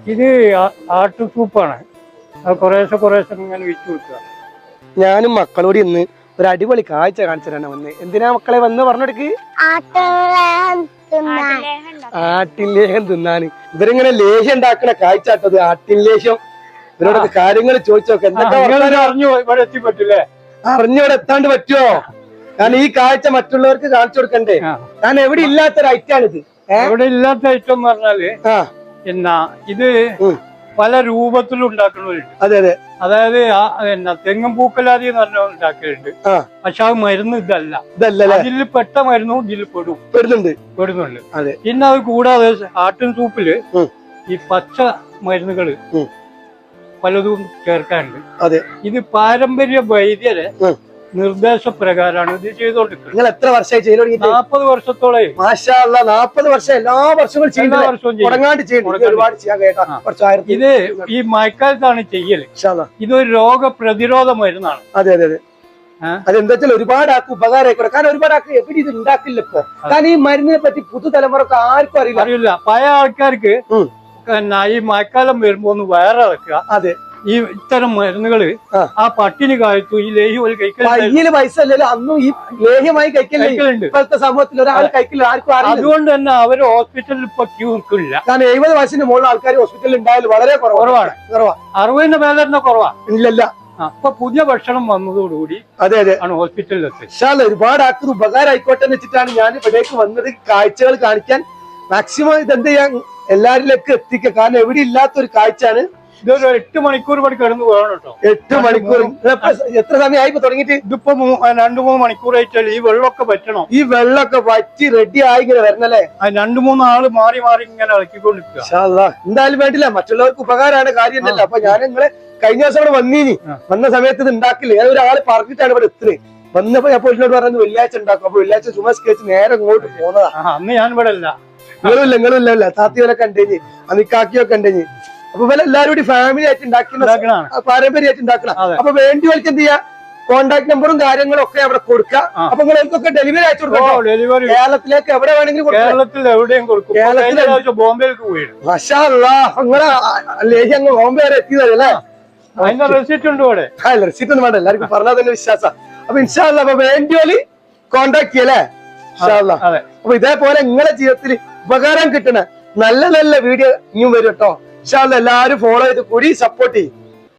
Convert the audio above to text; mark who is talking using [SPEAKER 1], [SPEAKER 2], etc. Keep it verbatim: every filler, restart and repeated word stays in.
[SPEAKER 1] ഇത് ആട്ടു സൂപ്പാണ്. അത് കുറേശ്ശെ കുറേശ്ശെ ഇങ്ങനെ വിറ്റ് കൊടുക്കുക.
[SPEAKER 2] ഞാനും മക്കളോട് ഇന്ന് ഒരു അടിപൊളി കാഴ്ച കാണിച്ചിട്ടാണ് വന്നത്. എന്തിനാ മക്കളെ വന്ന് പറഞ്ഞെടുക്ക്? ആട്ടിൻ ലേഹം തിന്നാന്. ഇവരിങ്ങനെ ലേഹ്യം ഉണ്ടാക്കണ കാഴ്ചാട്ടത്. ആട്ടിൻ ലേഹ്യം ഇവരോടൊക്കെ കാര്യങ്ങൾ ചോദിച്ചോക്കെ എന്തൊക്കെ
[SPEAKER 1] അറിഞ്ഞു ഇവിടെ എത്തിപ്പറ്റില്ലേ?
[SPEAKER 2] അറിഞ്ഞോടെ എത്താണ്ട് പറ്റുമോ? കാരണം ഈ കാഴ്ച മറ്റുള്ളവർക്ക് കാണിച്ചു കൊടുക്കണ്ടേ? കാരണം എവിടെ ഇല്ലാത്തൊരു ഐറ്റാണിത്.
[SPEAKER 1] എവിടെ ഇല്ലാത്ത ഐറ്റം എന്ന് പറഞ്ഞാല് എന്നാ ഇത് പല രൂപത്തിലും ഉണ്ടാക്കുന്നവരുണ്ട്.
[SPEAKER 2] അതെ അതെ.
[SPEAKER 1] അതായത് എന്നാ തെങ്ങും പൂക്കലാതി എന്ന് പറഞ്ഞ ഉണ്ടാക്കലുണ്ട്. പക്ഷെ ആ മരുന്ന് ഇതല്ല.
[SPEAKER 2] ഇതല്ല
[SPEAKER 1] ഇതിൽ പെട്ട മരുന്നും ഇതിൽ പെടും
[SPEAKER 2] പെടുന്നുണ്ട്
[SPEAKER 1] പെടുന്നുണ്ട്
[SPEAKER 2] അതെ.
[SPEAKER 1] പിന്നെ അത് കൂടാതെ ആട്ടിൻ സൂപ്പില് ഈ പച്ച മരുന്നുകള് പലതും ചേർക്കാനുണ്ട്.
[SPEAKER 2] അതെ.
[SPEAKER 1] ഇത് പാരമ്പര്യ വൈദ്യരെ നിർദ്ദേശപ്രകാരമാണ് ഇത് ചെയ്തോണ്ടിരിക്കുന്നത്.
[SPEAKER 2] നിങ്ങൾ എത്ര വർഷമായി ചെയ്തു തുടങ്ങി?
[SPEAKER 1] നാപ്പത് വർഷത്തോളം.
[SPEAKER 2] മാഷാ അല്ലാ, നാപ്പത് വർഷം എല്ലാ വർഷവും
[SPEAKER 1] ഇത് ഈ മഴക്കാലത്താണ് ചെയ്യല്. ഇതൊരു രോഗപ്രതിരോധ മരുന്നാണ്.
[SPEAKER 2] അതെ അതെ അതെ. അതെന്താ വെച്ചാൽ ഒരുപാട് ആൾക്ക് ഉപകാരമായിക്കോട്ടെ. കാരണം ഒരുപാട് ആൾക്ക് എവിടെ ഇത് ഉണ്ടാക്കില്ല ഇപ്പൊ. കാരണം ഈ മരുന്നിനെ പറ്റി പുതുതലമുറക്ക് ആർക്കും അറിയില്ല
[SPEAKER 1] അറിയില്ല പഴയ ആൾക്കാർക്ക് ഈ മഴക്കാലം വരുമ്പോ ഒന്ന് വയറിളക്കുക. അതെ. ഈ ഇത്തരം മരുന്നുകള് ആ പട്ടിണി കാലത്തു ഈ ലേഹ്യം
[SPEAKER 2] കയ്യില് പൈസ അല്ലല്ലോ അന്നും ഈ ലേഹ്യമായി കഴിക്കലുണ്ട് ഇപ്പോഴത്തെ സമൂഹത്തിൽ. ഒരാൾ കഴിക്കില്ല, ആർക്കും അറിയില്ല.
[SPEAKER 1] അതുകൊണ്ട് തന്നെ അവര് ഹോസ്പിറ്റലിൽ ഇപ്പൊ ക്യൂ നിൽക്കില്ല.
[SPEAKER 2] കാരണം എഴുപത് വയസ്സിന് മുകളിൽ ആൾക്കാർ ഹോസ്പിറ്റലിൽ ഉണ്ടായാലും വളരെ കുറവാണ്. കുറവാണ്.
[SPEAKER 1] അറുപതിന്റെ മേലെ തന്നെ കുറവാ.
[SPEAKER 2] ഇല്ലല്ല.
[SPEAKER 1] അപ്പൊ പുതിയ ഭക്ഷണം വന്നതോടുകൂടി
[SPEAKER 2] അതെ അതെ
[SPEAKER 1] ആണ് ഹോസ്പിറ്റലിൽ എത്തി.
[SPEAKER 2] ഒരുപാട് ആൾക്ക് ഉപകാരം ആയിക്കോട്ടെ എന്ന് വെച്ചിട്ടാണ് ഞാൻ ഇവിടേക്ക് വന്നത്. കാഴ്ചകൾ കാണിക്കാൻ മാക്സിമം ഇതെന്ത് ചെയ്യാൻ എല്ലാരിലേക്ക് എത്തിക്കുക. കാരണം എവിടെ ഇല്ലാത്തൊരു കാഴ്ചയാണ്.
[SPEAKER 1] ഇതൊരു എട്ട് മണിക്കൂർ പടി കിടന്നു പോകണം കേട്ടോ.
[SPEAKER 2] എട്ട് മണിക്കൂർ. എത്ര സമയമായി ഇപ്പൊ തുടങ്ങിയിട്ട്?
[SPEAKER 1] ഇതിപ്പോ രണ്ടു മൂന്ന് മണിക്കൂറായിട്ടല്ലേ ഈ വെള്ളമൊക്കെ പറ്റണം.
[SPEAKER 2] ഈ വെള്ളമൊക്കെ വറ്റി റെഡി ആയി ഇങ്ങനെ വരണല്ലേ?
[SPEAKER 1] രണ്ടു മൂന്ന് ആള് മാറി മാറി ഇങ്ങനെ ഇളക്കിക്കൊണ്ടിരിക്കുക.
[SPEAKER 2] എന്തായാലും വേണ്ടില്ല, മറ്റുള്ളവർക്ക് ഉപകാരമാണ് കാര്യമല്ല. അപ്പൊ ഞാൻ നിങ്ങള് കഴിഞ്ഞ ദിവസം ഇവിടെ വന്നീനി. വന്ന സമയത്ത് ഇത് ഉണ്ടാക്കില്ല. ഞാൻ ഒരാൾ പറഞ്ഞിട്ടാണ് ഇവിടെ എത്തുന്നത്. വന്നപ്പോ ഞാൻ പോയിട്ടോട് പറഞ്ഞു വെള്ളിയാഴ്ച ഉണ്ടാക്കും. അപ്പൊ വെള്ളിയാഴ്ച ചുമ സ്കേച്ച് നേരെ ഇങ്ങോട്ട് പോന്നതാ.
[SPEAKER 1] അന്ന് ഞാൻ ഇവിടെ അല്ല.
[SPEAKER 2] നിങ്ങളും ഇല്ല നിങ്ങളും ഇല്ല ഇല്ല താത്തിയോലൊക്കെ ഉണ്ടെങ്കിൽ അന്നിക്കാക്കിയൊക്കെ ഉണ്ടെങ്കിൽ. അപ്പൊ ഇവരെ എല്ലാവരും കൂടി ഫാമിലി ആയിട്ട് ഉണ്ടാക്കുന്ന പാരമ്പര്യമായിട്ട് ഉണ്ടാക്കണം. അപ്പൊ വേണ്ടിയവർക്ക് എന്ത് ചെയ്യാ, കോൺടാക്ട് നമ്പറും കാര്യങ്ങളും ഒക്കെ അവിടെ കൊടുക്കുക. അപ്പൊ നിങ്ങൾക്കൊക്കെ ഡെലിവറി അയച്ചു കൊടുക്കാം. ഡെലിവറി കേരളത്തിലേക്ക് എവിടെ വേണമെങ്കിലും
[SPEAKER 1] കേരളത്തിൽ എവിടെയും കൊടുക്കും. കേരളത്തിൽ ബോംബെയിലേക്ക് പോയി.
[SPEAKER 2] മാഷാ അല്ലാഹ്, നിങ്ങളെ ലേഹ്യം അങ്ങ് ബോംബെ വരെ എത്തിയതല്ലേ?
[SPEAKER 1] അതിന്റെ റെസിപ്റ്റ് ഉണ്ട് ഇവിടെ.
[SPEAKER 2] അല്ല റെസിപ്റ്റ് ഒന്നും വേണ്ട, എല്ലാവർക്കും പറഞ്ഞാൽ തന്നെ വിശ്വാസം. അപ്പൊ ഇൻഷാ അല്ലാഹ് അപ്പൊ വേണ്ടിയോല് കോൺടാക്ട് ചെയ്യല്ലേ? ഇൻഷാ അല്ലാഹ്. അപ്പൊ ഇതേപോലെ നിങ്ങളെ ജീവിതത്തിൽ ഉപകാരം കിട്ടണ നല്ല നല്ല വീഡിയോ ഇനിയും വരും കേട്ടോ. ഇൻഷാ അല്ലാഹ് എല്ലാവരും ഫോളോ ചെയ്ത് കൂടി സപ്പോർട്ട് ചെയ്യും.